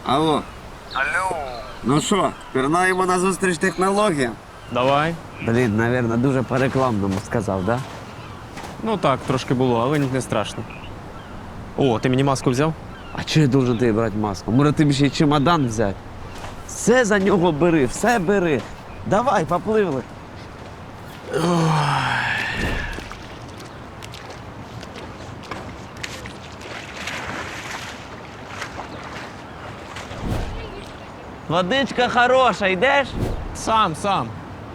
Алло. Алло. Ну що, пірнаємо на зустріч технологіям? Давай. Блін, навірно, дуже по-рекламному сказав, да? Ну так, трошки було, але не страшно. О, ти мені маску взяв? А чого я должен тобі брати маску? Може, ти б ще й чемодан взяти? Все за нього бери, все бери. Давай, попливли. Водичка хороша, йдеш? Сам.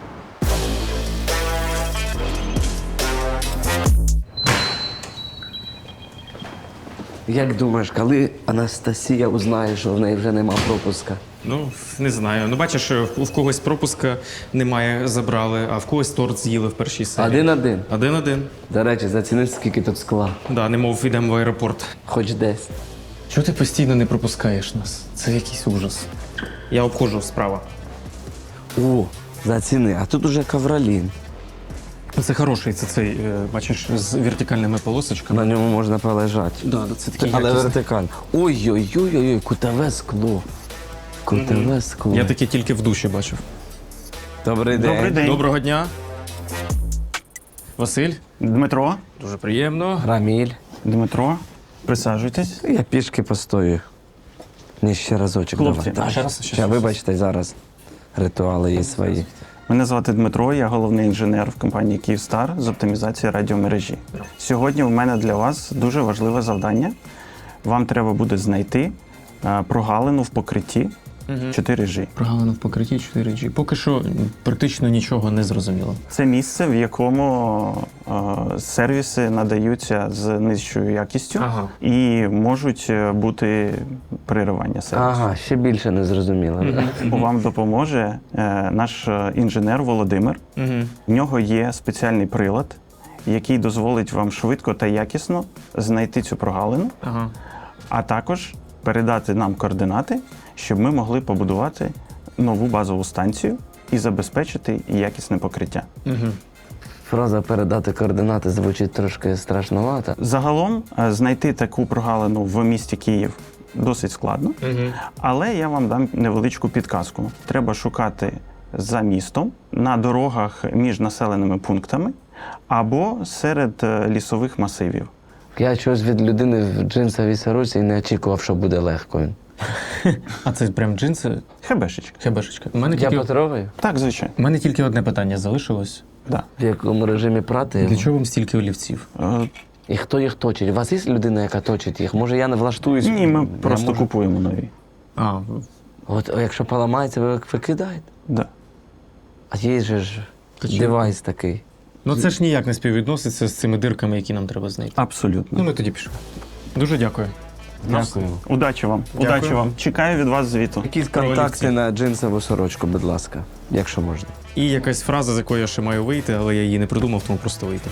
Як думаєш, коли Анастасія узнає, що в неї вже нема пропуска? Ну, не знаю. Ну, бачиш, в когось пропуска немає, забрали, а в когось торт з'їли в першій серії. 1-1. 1-1. До речі, заціни, скільки тут скла. Да, немов йдемо в аеропорт. Хоч десь. Чого ти постійно не пропускаєш нас? Це якийсь ужас. Я обходжу справа. О, заціни, а тут уже ковролін. Це хороший, це цей, бачиш, з вертикальними полосочками. На ньому можна полежати. Да, це такий Але якісний. вертикально. Ой-ой-ой, кутове скло. Кутове скло. Я таке тільки в душі бачив. Добрий день. Добрий день. Доброго дня. Василь, Дмитро. дуже приємно. Раміль. Дмитро, присаджуйтесь. Я пішки постою. Ні, ще разочок. Хлопці, давай. ще раз, Ще, вибачте, зараз ритуали є свої. Мене звати Дмитро, я головний інженер в компанії «Київстар» з оптимізації радіомережі. Сьогодні у мене для вас дуже важливе завдання. Вам треба буде знайти прогалину в покритті 4G. Прогалина в покритті 4G. Поки що практично нічого не зрозуміло. Це місце, в якому сервіси надаються з нижчою якістю Ага. і можуть бути переривання сервісу. Ага, ще більше не зрозуміло. Вам допоможе наш інженер Володимир. В нього є спеціальний прилад, який дозволить вам швидко та якісно знайти цю прогалину, Ага. а також передати нам координати, щоб ми могли побудувати нову базову станцію і забезпечити якісне покриття. Фраза «передати координати» звучить трошки страшновато. Загалом знайти таку прогалину в місті Київ досить складно, але я вам дам невеличку підказку. Треба шукати за містом, на дорогах між населеними пунктами або серед лісових масивів. Я чогось від людини в джинсовій сорочці і не очікував, що буде легко. А це прям джинси? Хебешечка. Хебешечка. Я потрогаю? Так, звичайно. У мене тільки одне питання залишилось. Да. В якому режимі прати його? Для чого вам стільки олівців? І хто їх точить? У вас є людина, яка точить їх? Може, я не влаштуюсь? Ні, ми Я просто можу. купуємо нові. А, От якщо поламається, ви викидаєте? Да. А є же ж Та чого? девайс такий. ну це ж ніяк не співвідноситься з цими дирками, які нам треба знайти. Абсолютно. Ну, ми тоді пішли. Дуже дякую. Дякую. Удачі вам. Дякую. Удачі вам. Чекаю від вас звіту. Якісь Про контакти олівці. на джинсову сорочку, будь ласка, якщо можна. І якась фраза, з якої я ще маю вийти, але я її не придумав, тому просто вийти.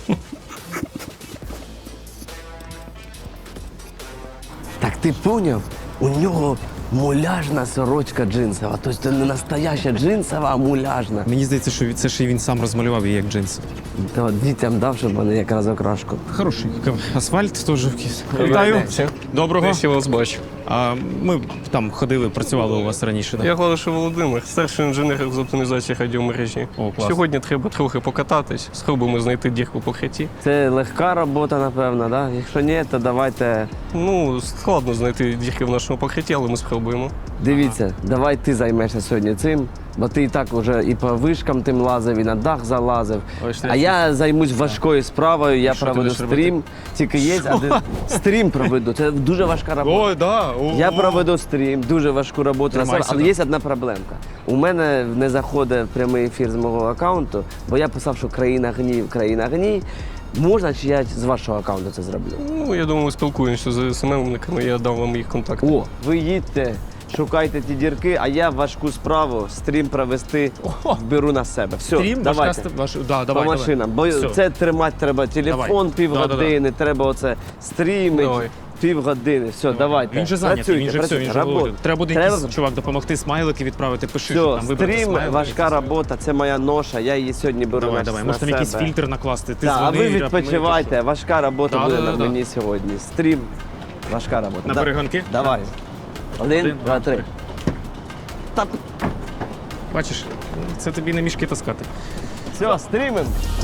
Так ти поняв? У нього муляжна сорочка джинсова. Тобто це не настояща джинсова, а муляжна. Мені здається, що це ще й він сам розмалював її як джинси. То дітям дав, щоб вони якраз окрашку. Хороший. Асфальт теж якийсь. Вітаю. Вітаю. Доброго. Я вас бачу. А ми там ходили, працювали у вас раніше. Я Голошев Володимир, старший інженер з оптимізації радіомережі. О, клас. Сьогодні треба трохи покататись, спробуємо знайти дірку в покритті. Це легка робота, напевно, да? Якщо ні, то давайте. Ну, складно знайти дірки в нашому покритті, але ми спробуємо. Дивіться, давай ти займешся сьогодні цим, бо ти і так вже і по вишкам тим лазив, і на дах залазив. Ой, що А я займусь важкою справою, я Що ти проведу будеш стрім. Тільки є один стрім проведу. Це дуже важка робота. Ой, да. Я проведу стрім, дуже важку роботу на себе, Тримайся, але да. є одна проблемка. У мене не заходить прямий ефір з мого аккаунту, бо я писав, що країна гній. Можна, чи я з вашого аккаунту це зроблю? Ну, я думаю, спілкуємося з СММниками, я дам вам їх контакти. О, ви їдьте, шукайте ті дірки, а я важку справу, стрім провести, беру на себе. Все, Стрім, давайте. Да, По давай, машинам, бо Все. це тримати треба телефон Давай. півгодини, треба оце стрімить Давай. півгодини. Все, давайте. Він же зайнятий, він же все, він же Работа. говорить. Треба буде якийсь чувак допомогти, смайлики відправити, пиши, що Все, там вибрати стрім, смайлики. важка робота, це моя ноша, я її сьогодні беру Давай, на, давай, на може там себе. якийсь фільтр накласти, ти Так, а ви дзвони, відпочивайте, важка робота Да, буде да, на да, мені сьогодні. Стрім, важка робота. На перегонки? Давай. Один, два, три. Бачиш, це тобі не мішки таскати. Все, стрімим.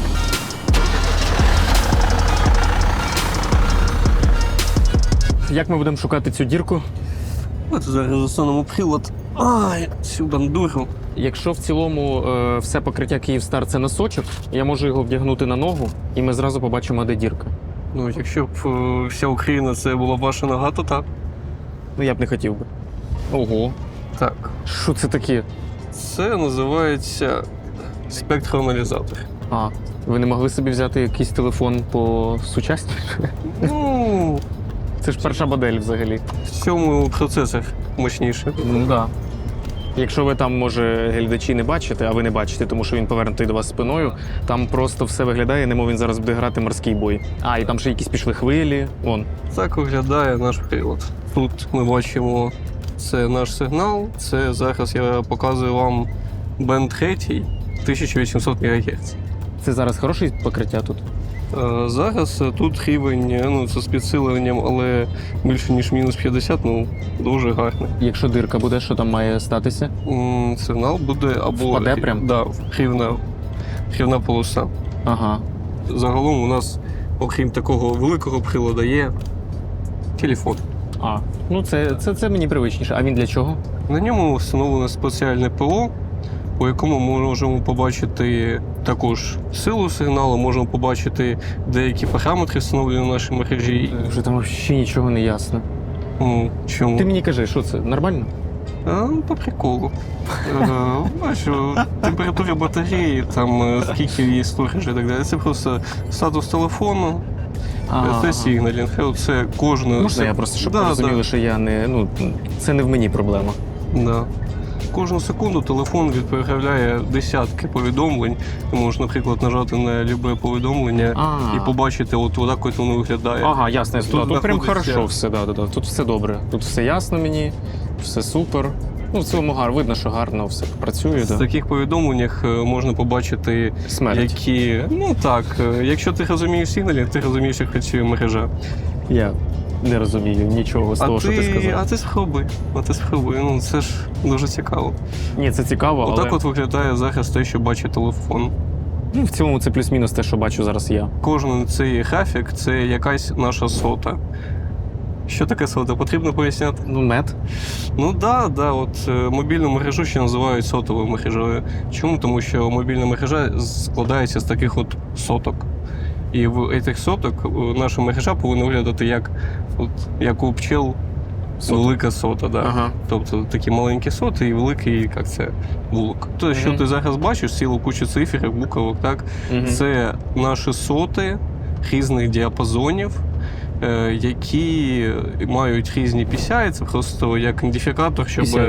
Як ми будемо шукати цю дірку? От зараз засунемо прилад. Ай, цю бандуру. Якщо в цілому все покриття Київстар це носочок, я можу його вдягнути на ногу, і ми зразу побачимо, де дірка. Ну, якщо б вся Україна це була ваша нога, то так. Ну я б не хотів би. Ого, Так. що це таке? Це називається спектроаналізатор. А, ви не могли собі взяти якийсь телефон по сучасніше? Ну, Це ж перша модель взагалі. в цьому процесор мощніше. Ну да. Якщо ви там, може, глядачі не бачите, а ви не бачите, тому що він повернутий до вас спиною, там просто все виглядає, немов він зараз буде грати морський бой. А, і там ще якісь пішли хвилі. Вон. Так виглядає наш прилад. Тут ми бачимо, це наш сигнал. Це зараз я показую вам бенд 3 1800 МГц. Це зараз хороше покриття тут? Зараз тут рівень, ну це з підсиленням, але більше ніж мінус 50, ну дуже гарний. Якщо дирка буде, що там має статися? Сигнал буде або Впаде прям? Да, рівна полоса. Ага. Загалом у нас, окрім такого великого приладу, є телефон. А, ну це мені привичніше. А він для чого? На ньому встановлено спеціальне ПО, по якому ми можемо побачити також силу сигналу, можемо побачити деякі параметри, встановлені в нашій мережі. Вже там взагалі нічого не ясно. Чому? Ти мені кажи, що це? Нормально? По приколу. Бачу, температура батареї, там скільки є сторожі і так далі. Це просто статус телефону, це сигналінг. Це кожне. Можна я просто, щоб розуміли, що я не. Ну, це не в мені проблема. Да. Кожну секунду телефон відправляє десятки повідомлень. Ти можеш, наприклад, нажати на любе повідомлення і побачити, от так от воно виглядає. Ага, ясно. Тут прям знаходиться- хорошо все, да. Тут все добре. Тут все ясно мені, все супер. Ну, в цілому видно, що гарно все працює. В таких повідомленнях можна побачити, Смерть. які. Ну так, якщо ти розумієш сигналінг, ти розумієш, як працює мережа. Я не розумію нічого з того, що ти сказав. А ти спробуй. Ну це ж дуже цікаво. Ні, це цікаво, але Отак от виглядає зараз те, що бачить телефон. ну, в цілому це плюс-мінус те, що бачу зараз я. Кожен цей графік це якась наша сота. Що таке сота? Потрібно поясняти? Ну, мед. Ну да, от мобільну мережу ще називають сотовою мережею. Чому? Тому що мобільна мережа складається з таких от соток. І в цих соток наша мережа повинна виглядати як у пчел велика сота. Да? Ага. Тобто такі маленькі соти і великий, як це, вулок. То, що ти зараз бачиш, цілу кучу цифр, буквок, так? Це наші соти різних діапазонів, які мають різні PCI, це просто як ідентифікатор,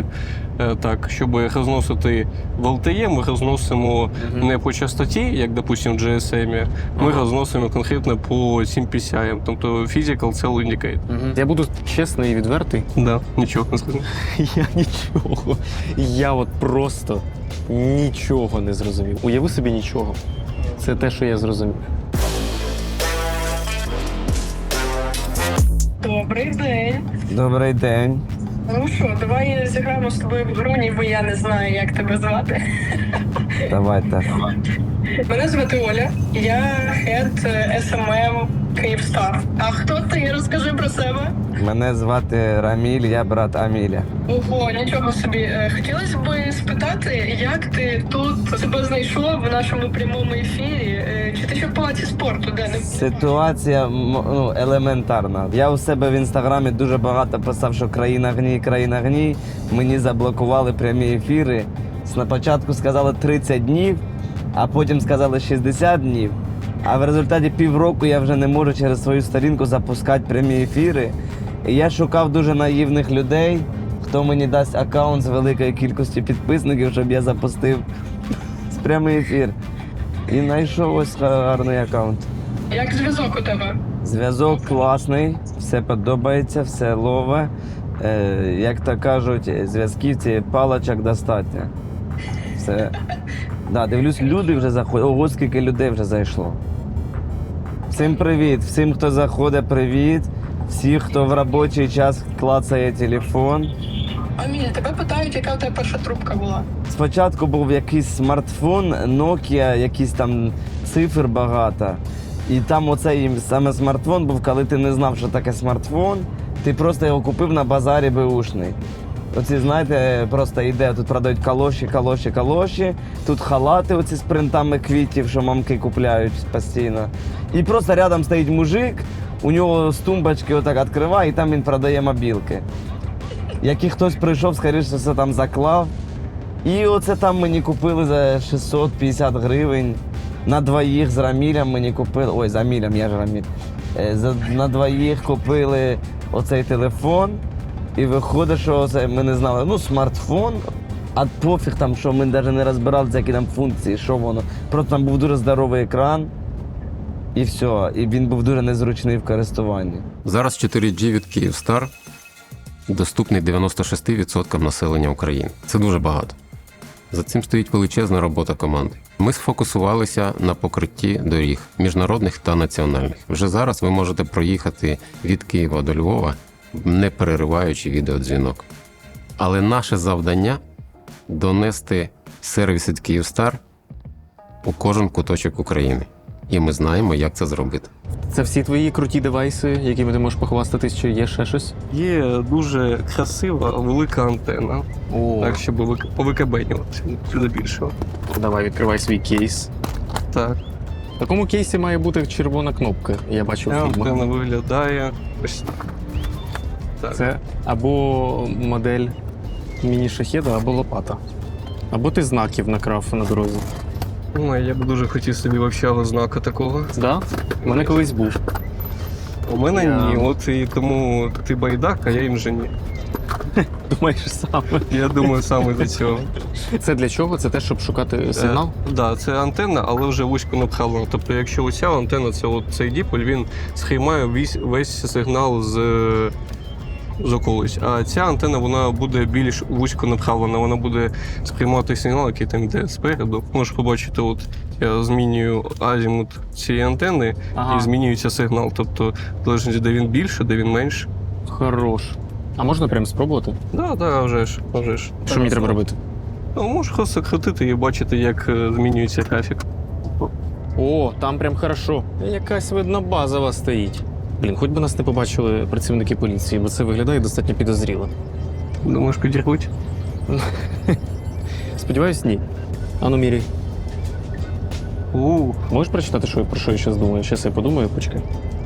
щоб розносити в LTE, ми розносимо не по частоті, як, допустимо, в GSM, ми розносимо конкретно по цим PCI, тобто Physical Cell Indicate. Я буду чесний і відвертий. Да, нічого не скажу. Я нічого. Я от просто нічого не зрозумів. Уяви собі нічого. Це те, що я зрозумів. Добрий день. Добрий день. Ну що, давай зіграємо з тобою в гру, ніби я не знаю, як тебе звати. Давайте. Мене звати Оля, я хед SMM Київстар. А хто ти? Розкажи про себе. Мене звати Раміль, я брат Аміля. Ого, нічого собі. Хотілося б спитати, як ти тут себе знайшов в нашому прямому ефірі? Чи ти ще в палаці спорту, де не Ситуація елементарна. Я у себе в інстаграмі дуже багато писав, що країна гній. Мені заблокували прямі ефіри. Спочатку сказали 30 днів, а потім сказали 60 днів. А в результаті півроку я вже не можу через свою сторінку запускати прямі ефіри. І я шукав дуже наївних людей, хто мені дасть аккаунт з великою кількістю підписників, щоб я запустив прямий ефір. І знайшов ось гарний аккаунт. як зв'язок у тебе? Зв'язок класний, все подобається, все лове. Як то кажуть, зв'язківці паличок достатньо. Все. Да, дивлюсь, люди вже заходять. Ого, скільки людей вже зайшло. Всім привіт, всім, хто заходить, привіт. Всі, хто в робочий час клацає телефон. Аміль, тебе питають, яка у тебе перша трубка була. Спочатку був якийсь смартфон, Nokia, якісь там цифр багато. І там оцей саме смартфон був, коли ти не знав, що таке смартфон, ти просто його купив на базарі беушний. Оці, знаєте, просто йде, тут продають калоші, тут халати оці з принтами квітів, що мамки купляють постійно. І просто рядом стоїть мужик, у нього з тумбочки отак відкриває, і там він продає мобілки. Який хтось прийшов, скоріше все там заклав. І оце там мені купили за 650 гривень. На двоїх з Рамілем мені купили. Ой, з Амілем, я ж Раміль. На двоїх купили оцей телефон. І виходить, що це ми не знали. Ну, смартфон, а пофіг там, що ми навіть не розбиралися, які там функції, що воно. Просто там був дуже здоровий екран. І все. І він був дуже незручний в користуванні. Зараз 4G від Kyivstar доступний 96% населення України. Це дуже багато. За цим стоїть величезна робота команди. Ми сфокусувалися на покритті доріг міжнародних та національних. Вже зараз ви можете проїхати від Києва до Львова, не перериваючи відеодзвінок. Але наше завдання – донести сервіс від Kyivstar у кожен куточок України. І ми знаємо, як це зробити. Це всі твої круті девайси, якими ти можеш похвастатись, чи є ще щось? Є дуже красива, велика антенна. О, Так, щоб повикабенюватися до більшого. давай, відкривай свій кейс. Так, В такому кейсі має бути червона кнопка, я бачив у фільмах. антенна виглядає ось так. Так. Це або модель міні-шахеда, або лопата. Або ти знаків накрав на дорозі. Ну, я б дуже хотів собі вовчого знака такого. Да? У мене колись був. У мене Я- ні, от і тому ти байдак, а я інженер. Думаєш саме. Я думаю, саме до цього. Це для чого? Це те, щоб шукати сигнал? Так, да, це антенна, але вже вузько напхалена. Тобто, якщо оця антенна, це от цей діполь, він сприймає весь сигнал з околиць. А ця антенна вона буде більш вузько напхалена, вона буде сприймати сигнал, який там йде спереду. Можеш побачити, от я змінюю азімут цієї антенни Ага. і змінюється сигнал. Тобто, залежно, де він більше, де він менше. Хорош. А можна прямо спробувати? Так, вже ж. Що мені треба робити? Ну, можеш просто крутити і бачити, як змінюється графік. О, там прям хорошо. Якась видно базова стоїть. Блін, хоч би нас не побачили працівники поліції, бо це виглядає достатньо підозріло. Думаєш, підірвуть? Сподіваюсь, ні. Ану, міряй. Можеш прочитати, про що я зараз думаю? Щас я подумаю, почекай.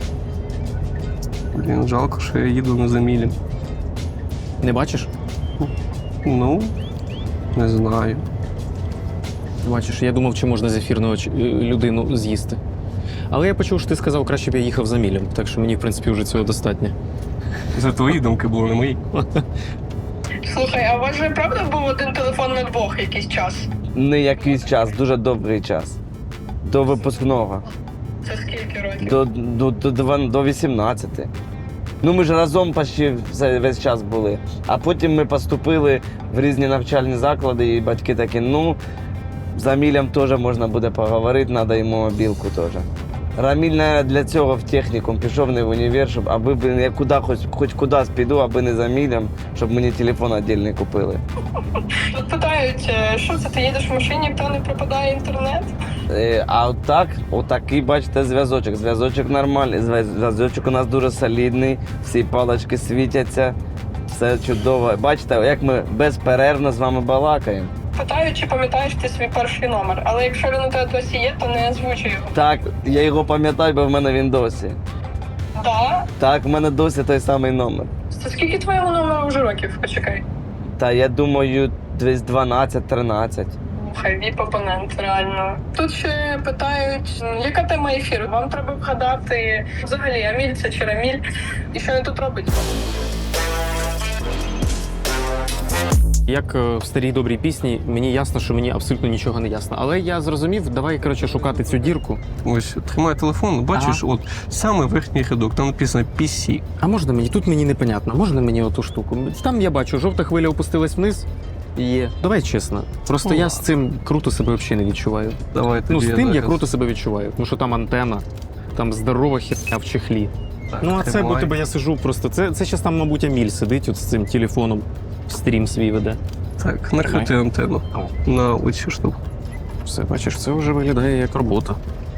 Блін, жалко, що я їду на замілі. Не бачиш? Ну, не знаю. Бачиш, я думав, чи можна зефірну людину з'їсти. Але я почув, що ти сказав, краще б я їхав за мілем, так що мені, в принципі, вже цього достатньо. Це твої думки були, не мої. Слухай, а у вас же правда був один телефон на двох якийсь час? Не якийсь час, дуже довгий час. До випускного. Це скільки років? До 18. Ну ми ж разом почти весь час були. А потім ми поступили в різні навчальні заклади, і батьки такі, ну, з Амілем теж можна буде поговорити, треба йому мобілку теж. Раміль, навіть, для цього в технікум пішов, не в універ, щоб аби я хоч кудись піду, аби не з Амілем, щоб мені телефон віддільний купили. Тут питають, що це, ти їдеш в машині, то не пропадає інтернет? А отакий, бачите, зв'язочок. Зв'язочок нормальний, зв'язочок у нас дуже солідний, всі палички світяться, все чудово. Бачите, як ми безперервно з вами балакаємо. Питають, чи пам'ятаєш ти свій перший номер, але якщо він у тебе досі є, то не озвучуй його. Так, я його пам'ятаю, бо в мене він досі. Да? Так, в мене досі той самий номер. Це скільки твоєму номеру вже років? Почекай. Та я думаю, десь 12-13. Хай віп-опонент, реально. Тут ще питають, яка тема ефіру? Вам треба вгадати взагалі, Аміль це чи Раміль, і що він тут робить? Як в старій добрій пісні, мені ясно, що мені абсолютно нічого не ясно. Але я зрозумів, давай, коротше, шукати цю дірку. Ось, тримай телефон, бачиш, от саме верхній рядок, там написано PC. А можна мені? Тут мені непонятно. Можна мені оту штуку? Там я бачу, жовта хвиля опустилась вниз. Є. Давай чесно. Просто я з цим круто себе взагалі не відчуваю. Давай Ну, тобі з тим я зараз. круто себе відчуваю. Тому що там антена, там здорова херня в чехлі. Ну, а це, бо тримай. тебе я сижу просто. Це зараз там, мабуть, Аміль сидить от з цим телефоном, стрім свій веде. Так, накрити антенну на оцю штуку. Все, бачиш, це вже виглядає як робота.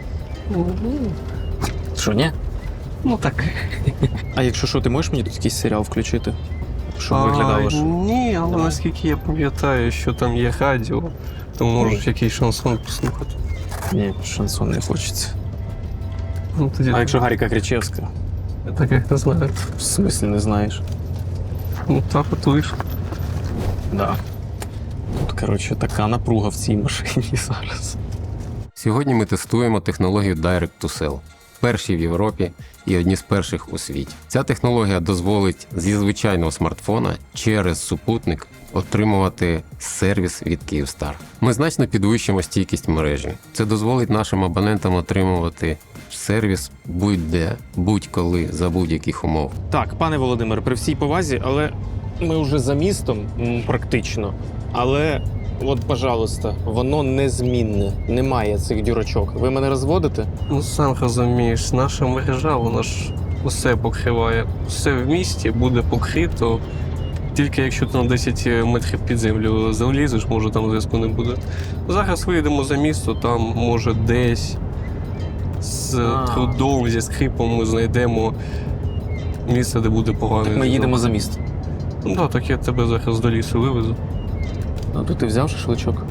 Що, ні? Ну так. А якщо що, ти можеш мені тут якийсь серіал включити? Щоб виглядало ж? Ні, але Давай. наскільки я пам'ятаю, що там є радіо, то можеш якийсь шансон послухати. Ні, шансон не хочеться. Ну, тоді А якщо Гаріка Кричевська? так як не знаю. В смислі не знаєш? Ну так от вийшло. Да. Тут, коротше, така напруга в цій машині зараз. Сьогодні ми тестуємо технологію Direct to Cell. Перші в Європі і одні з перших у світі. Ця технологія дозволить зі звичайного смартфона через супутник отримувати сервіс від Kyivstar. Ми значно підвищимо стійкість мережі. Це дозволить нашим абонентам отримувати сервіс будь-де, будь-коли, за будь-яких умов. Так, пане Володимир, при всій повазі, але ми вже за містом практично. Але, от, пожалуйста, воно незмінне. Немає цих дюрочок. Ви мене розводите? Ну сам розумієш, наша мережа, вона ж усе покриває. Все в місті буде покрито. Тільки якщо ти на 10 метрів під землю залізеш, може там зв'язку не буде. Зараз вийдемо за місто, там може десь з трудом, зі скрипом ми знайдемо місце, де буде поганий Ми зв'язок. їдемо за місто. Ну так, так я тебе зараз до лісу вивезу. А то ти взяв шашличок?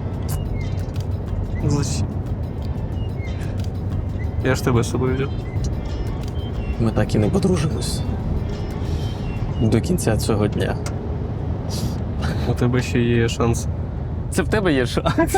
Я ж тебе з собою взяв. Ми так і не подружимось. До кінця цього дня. У тебе ще є шанс. Це в тебе є шанс.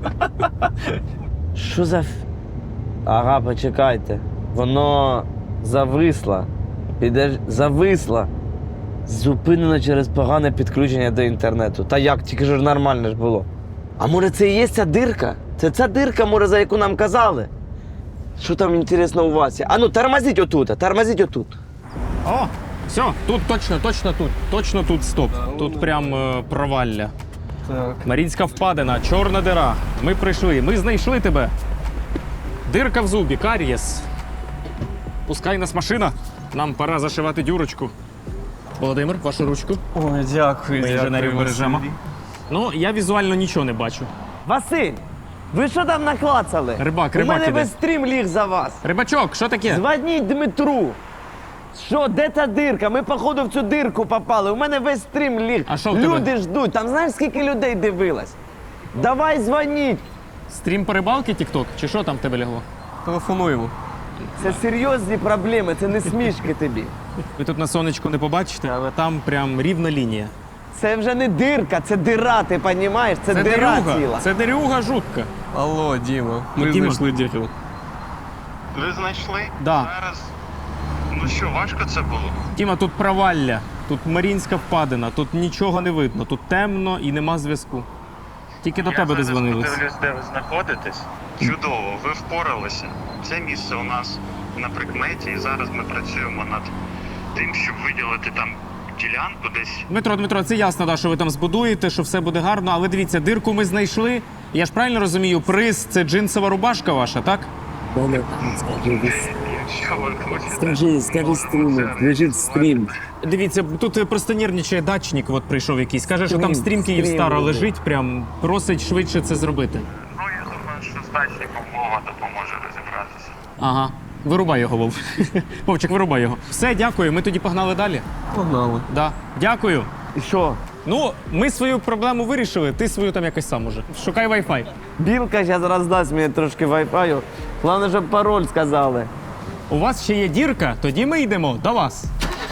Що за... Ага, почекайте. Воно зависло. Зависло. Зупинено через погане підключення до інтернету. Та як, тільки ж нормально ж було. А може це і є ця дирка? Це ця дирка, може, за яку нам казали? Що там інтересно у вас є? А ну, тормозіть отут. О, все, тут точно тут стоп. Тут прям провалля. Так. Марінська впадина, чорна дира. Ми прийшли, ми знайшли тебе. Дирка в зубі, карієс. Пускай нас машина. Нам пора зашивати дюрочку. Володимир, вашу ручку. Ой, дякую. Ми інженерів бережемо. Ну, я візуально нічого не бачу. Василь, ви що там наклацали? Рибак У мене іде. весь стрім ліг за вас. Рибачок, що таке? Дзвоніть Дмитру. Що, де та дирка? Ми, походу, в цю дирку попали. У мене весь стрім ліг. А що в тебе? Люди ждуть. Там знаєш, скільки людей дивилось? Давай дзвоніть. Стрім по рибалки, тік-ток? Чи що там в тебе лягло? Телефонуємо. Це серйозні проблеми, це не смішки тобі. Ви тут на сонечку не побачите, але там прям рівна лінія. Це вже не дирка, це дира, ти розумієш? Це дира ціла. Це дерюга жутка. Алло, Діма. Ми Діма. знайшли діру. Ви знайшли? Да. Зараз. Ну що, важко це було? Тіма, тут провалля, тут Марінська впадина, тут нічого не видно, тут темно і нема зв'язку. Тільки до тебе дозвонились. Я подивлюсь, де ви знаходитесь. Чудово, ви впоралися. Це місце у нас на прикметі, і зараз ми працюємо над тим, щоб виділити там ділянку десь. Дмитро, це ясно, да, що ви там збудуєте, що все буде гарно, але дивіться, дирку ми знайшли. Я ж правильно розумію, приз – це джинсова рубашка ваша, так? Якщо ви хочете. Скажи стрім, лежить стрім. Дивіться, тут просто нервничає дачник, от прийшов якийсь. Каже, що там стрім Стрім Київстара буде. лежить, прям просить швидше це зробити. Ну, я думаю, що з дачником мова допоможе розібратися. Ага. Вирубай його, Вов. Вовчик, вирубай його. Все, дякую, ми тоді погнали далі. Погнали. Да. Дякую. І що? Ну, ми свою проблему вирішили, ти свою там якось сам уже. Шукай Wi-Fi. Білка зараз роздасть мені трошки вайфаю. Головне, щоб пароль сказали. У вас ще є дірка, тоді ми йдемо до вас.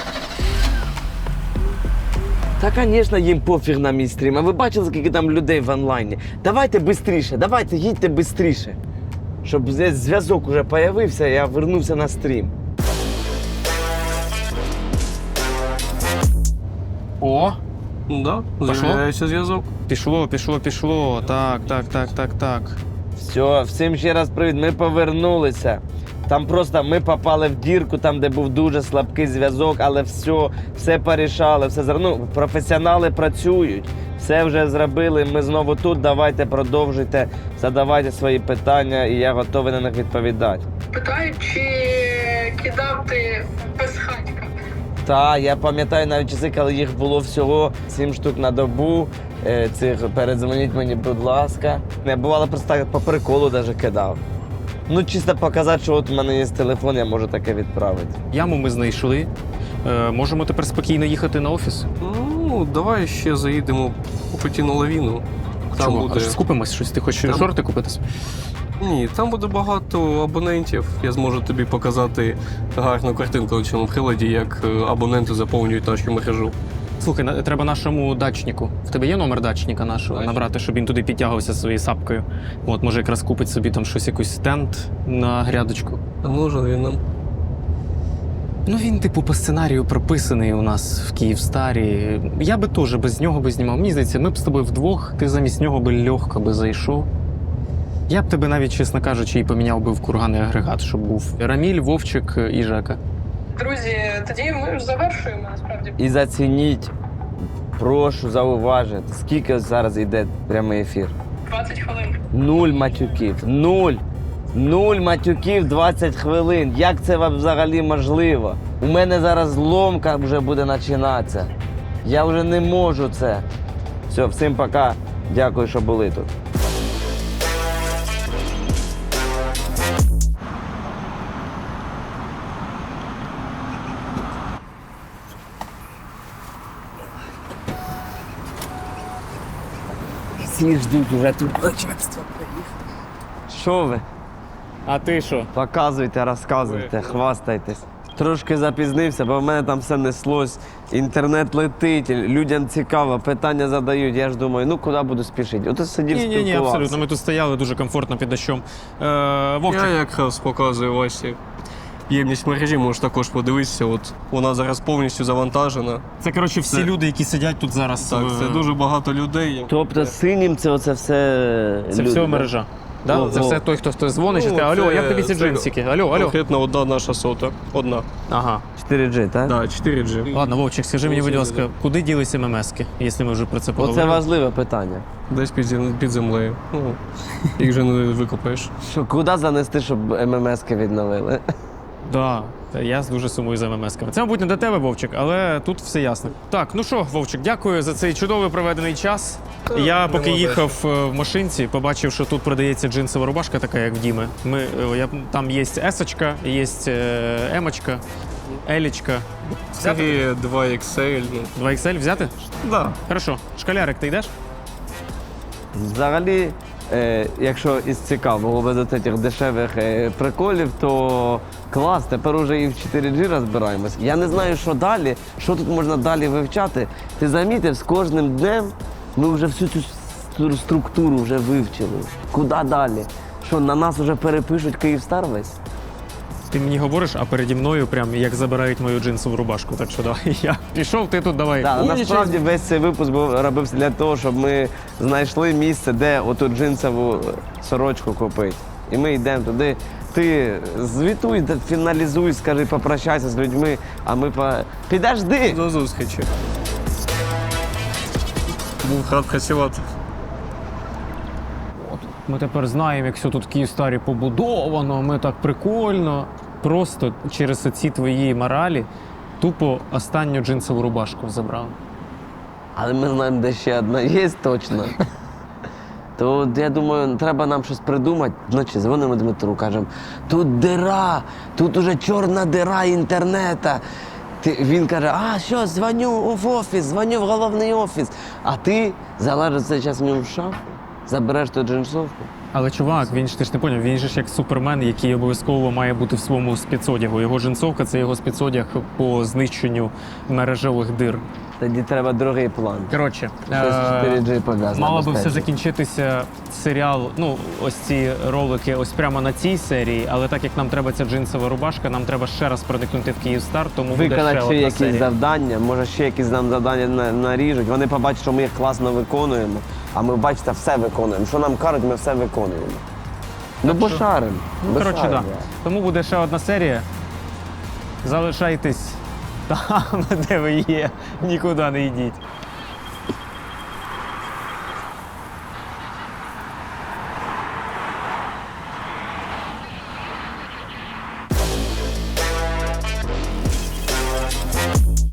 Та, звісно, їм пофіг на мій стрім. А ви бачили, скільки там людей в онлайні? Давайте швидше, давайте, їдьте швидше. Щоб зв'язок уже з'явився, я вернувся на стрім. О, Да, Пошло? з'являється зв'язок. пішло. Так. Все, всім ще раз привіт, ми повернулися. Там просто ми попали в дірку, там, де був дуже слабкий зв'язок, але все порішали, ну, професіонали працюють, все вже зробили, ми знову тут, давайте продовжуйте, задавайте свої питання, і я готовий на них відповідати. Питають, чи кидав ти без хатька. Та, я пам'ятаю навіть часи, коли їх було всього 7 штук на добу. Цих передзвоніть мені, будь ласка. Не бувало просто так по приколу навіть кидав. Ну, чисто показати, що от у мене є телефон, я можу таке відправити. Яму ми знайшли. Можемо тепер спокійно їхати на офіс. Ну, давай ще заїдемо купити на лавіну. Там Чому? буде... Аж скупимось щось. Ти хочеш Там- шорти купити? Ні, там буде багато абонентів. Я зможу тобі показати гарну картинку у цьому приладі, як абоненти заповнюють нашу мережу. Слухай, треба нашому дачнику. В тебе є номер дачника нашого набрати, щоб він туди підтягувався своєю сапкою. От, може, якраз купить собі там щось, якийсь стенд на грядочку. А може він нам? Ну, він, типу, по сценарію прописаний у нас в Київстарі. Я би теж без нього би знімав. Мені здається, ми б з тобою вдвох, ти замість нього би легко би зайшов. Я б тебе навіть, чесно кажучи, і поміняв би в курганний агрегат, щоб був Раміль, Вовчик і Жека. Друзі, тоді ми ж завершуємо насправді. І зацініть, прошу зауважити, скільки зараз йде прямий ефір. 20 хвилин. 0 матюків. 0. 0 матюків 20 хвилин. Як це взагалі можливо? У мене зараз ломка вже буде починатися. Я вже не можу це. Все, всім пока. Дякую, що були тут. Всі ждуть уже тут начальство. Що ви? А ти що? Показуйте, розказуйте, хвастайтесь. Трошки запізнився, бо в мене там все неслось. Інтернет летить, людям цікаво, питання задають. Я ж думаю, ну куди буду спішити? Ото сидів, Ні, спілкувався. абсолютно. Ми тут стояли дуже комфортно під дощом. Вовчик, Я якраз показую Васі ємність мережі, можеш також подивитися. От вона зараз повністю завантажена. це, коротше, всі Це- люди, які сидять тут зараз. Так, це дуже багато людей. Тобто синім це оце все Це люди, все да? мережа. Да? Ого. Це все той, хто дзвонить, і Ну, каже, алло, це- як тобі ці це- джинсики? Алло. Конкретно одна наша сота. Одна. Ага. 4G, так? Да, 4G. Ладно, Вовчик, скажи мені, будь ласка, куди ділися ММСки, якщо ми вже про це поговорили? Оце важливе питання. Десь під землею. Ну, їх вже не викопаєш. Що, куди занести, щоб ММСки відновили? Да, я дуже сумую за ММСками. Це, мабуть, не до тебе, Вовчик, але тут все ясно. Так, ну що, Вовчик, дякую за цей чудовий проведений час. Я поки їхав в машинці, побачив, що тут продається джинсова рубашка, така як в Діми. Там є есочка, є емочка, елічка. Серія 2XL. 2XL взяти? Да. Хорошо. Школярик, ти йдеш? Взагалі, якщо із цікавого без цих дешевих приколів, то клас, тепер уже і в 4G розбираємось. Я не знаю, що далі, що тут можна далі вивчати. Ти замітив, з кожним днем ми вже всю цю структуру вже вивчили. Куди далі? Що, на нас вже перепишуть Київстар весь? Ти мені говориш, а переді мною прям як забирають мою джинсову рубашку. Так що давай, я пішов, ти тут давай. Так, умнічай. насправді весь цей випуск робився для того, щоб ми знайшли місце, де оту джинсову сорочку купити. І ми йдемо туди. Ти звітуй, фіналізуй, скажи, попрощайся з людьми, а ми підожди! До зустрічі. Був рад працювати. Ми тепер знаємо, як все тут в Київстарі побудовано, ми так прикольно. Просто через ці твої моралі тупо останню джинсову рубашку забрав. Але ми знаємо, де ще одна є точно. То я думаю, треба нам щось придумати. Вночі дзвонимо Дмитру, кажемо, тут дира, тут уже чорна дира інтернету. Він каже, а що, дзвоню в офіс, дзвоню в головний офіс. А ти залежиш цей час в ньому в шафу, забереш ту джинсовку. Але чувак, ти ж не поняв, він же ж як супермен, який обов'язково має бути в своєму спецодягу. Його джинсовка – це його спецодяг по знищенню мережевих дир. Тоді треба другий план. Коротше, Щось з 4G пов'язане. мало би все безпечно. закінчитися серіал, ну, ось ці ролики ось прямо на цій серії, але так як нам треба ця джинсова рубашка, нам треба ще раз проникнути в Київстар, тому буде Виконати ще ще одна якісь серія. завдання, може ще якісь нам завдання наріжуть. Вони побачать, що ми їх класно виконуємо, а ми, бачите, все виконуємо. Що нам кажуть, ми все виконуємо. Ну, бо що- шарим. Ну, бо коротше, так. шарим, Да. Тому буде ще одна серія. Залишайтесь там, де ви є, нікуди не йдіть.